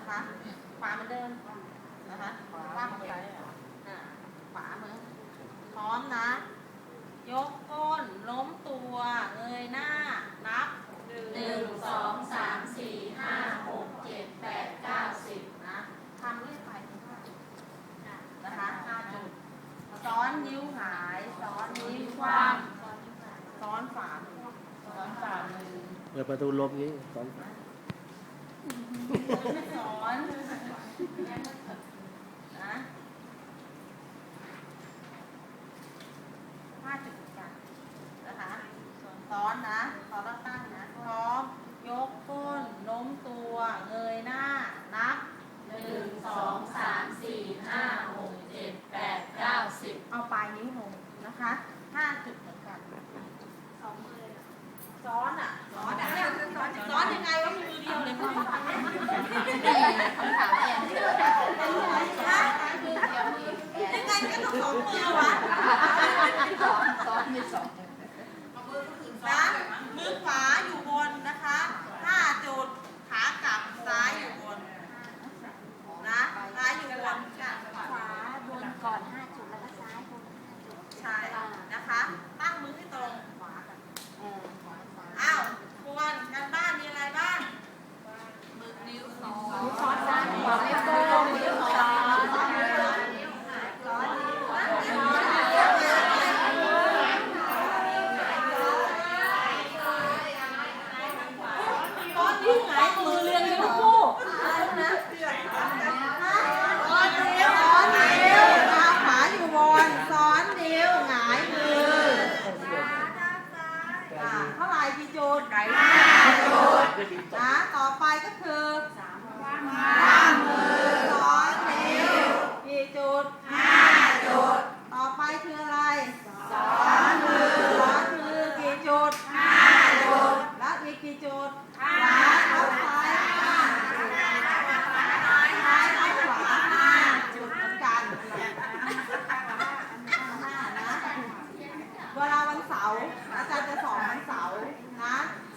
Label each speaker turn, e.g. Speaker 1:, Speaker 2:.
Speaker 1: นะคะขวาเหมือนเดิมนะคะว่างมือขวามือพร้อมนะยกก้นล้มตัวเงยหน้านับ1 2 3 4 5 6 7 8 9 10นะทำเรื่อยไปนะคะ5จุดซ้อนนิ้วหายซ้อนนิ้วคว่ำซ้อนฝ่ามือ
Speaker 2: เปิดประตูลมนี้สอน
Speaker 1: ซ้อนนะ5จุดกันนะคะซ้อนนะซ้อนแล้วตั้งนะพร้อมยกก้นโน้มตัวเงยหน้านับ1 2 3 4 5 6 7 8 9 10เอาปลายนิ้วลงนะคะ5จุดเหมือนกันซ้อนอ่ะซ้อนยังไงวะมีมือเดียวเลยมั้งคำถามอย่างเดียวยังไงก็ต้อง2 มือวะซ้อนมี2นะมือขวาอยู่บนนะคะ5จุดขากลับซ้ายอยู่บนนะซ้ายอยู่บน
Speaker 3: ขวาบนก่อน5จุดแล้วก็ซ้ายบน5จุด
Speaker 1: ใช่นะคะตั้งมือให้ตรงอ้าวควรกันบ้านมีอะไรบ้างมือนิ้วซ้อนซ้ายขวาไม่โกงนิ้วซ้อนมือเรียงกันทุกคู่นะซ้อนนิ้วเท้าขวาอยู่บนซ้อนนิ้วหงายมือเท่าไหร่กี่จุด5 จุดนะต่อไปก็คือวางมือซ้อนนิ้วกี่จุด5 จุดต่อไปคืออะไรซ้อนมือกี่จุด5 จุดแล้วอีกกี่จุด5